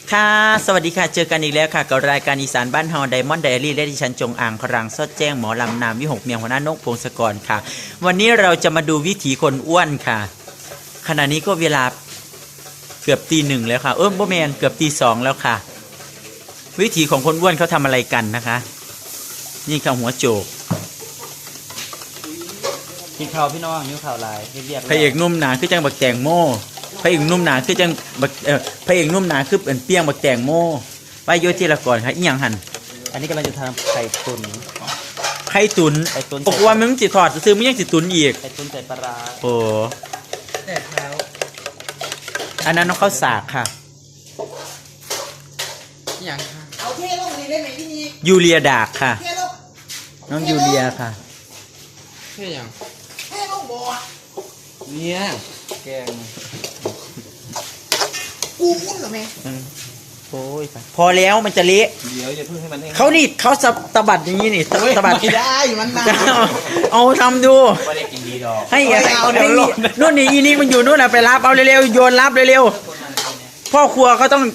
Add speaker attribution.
Speaker 1: ค่ะสวัสดีค่ะเจอกันอีกแล้วค่ะกับรายการอีสานบ้านเฮาไดมอนด์ไดอารี่และดิฉันจงอ่างครังสดแจ้งหมอลำนามวิหกเมียงหัวหน้านกพงศกรค่ะวันนี้เราจะมาดูวิถีคนอ้วนค่ะขณะนี้ก็เวลาเกือบตีหนึ่งแล้วค่ะบ่แมนเกือบตีสองแล้วค่ะ วิถีของคนอ้วนเขาทำอะไรกันนะคะนี่ค่ะหัวโจก
Speaker 2: กินข้าวพี่น้องนิ้วข่าวลายเรียบ
Speaker 1: พระเอกนุ่มหนาคือจังบักแตงโมพระเอกนุ่มหนาคือจังบักพระเอกนุ่มหนาคือเป็นเปี้ยงบักแตงโมไปโยทีละก่อนค่ะอีหยังหัน
Speaker 2: อันนี้กำลังจะทำไข่ตุ๋น
Speaker 1: ไข่ตุน
Speaker 2: ไข่ตุ๋น
Speaker 1: บอกว่ามึงสิถอดซื้อมึงยังสิตุนอีก
Speaker 2: ไข่ตุ๋นใส่ปลาร้า
Speaker 1: โอ้
Speaker 2: แต่เท้า
Speaker 1: อันนั้นน้องข้าวสากค่ะ
Speaker 2: อย่างค่ะ
Speaker 3: เอาเทลงนี่ได้ไหมพี่นี่
Speaker 1: ยูเลียดากค่ะ
Speaker 3: เทลง
Speaker 1: น้องยูเลียค่ะ
Speaker 2: เท่ยัง
Speaker 3: เทลงบ่อ
Speaker 2: เนี่ยแกง
Speaker 3: กูอุ้นเหรอแม่
Speaker 1: โอ้ยพอแล้วมันจะเละ
Speaker 2: เดี๋ยวอย่าเพิ่งให้มันแห้ง
Speaker 1: เขานี่เขาสะบัดอย่างนี้นี่สะบัด
Speaker 2: ไม่ได้มันนาน
Speaker 1: เอาทำดู
Speaker 2: ไม่ได้กินดีดอก
Speaker 1: ให้
Speaker 2: เอาเดี๋ยวลง
Speaker 1: นู่นนี่อีนี่มันอยู่นู่นน่ะไปรับเอาเร็วๆโยนรับเร็วๆพ่อครัวเขาต้อง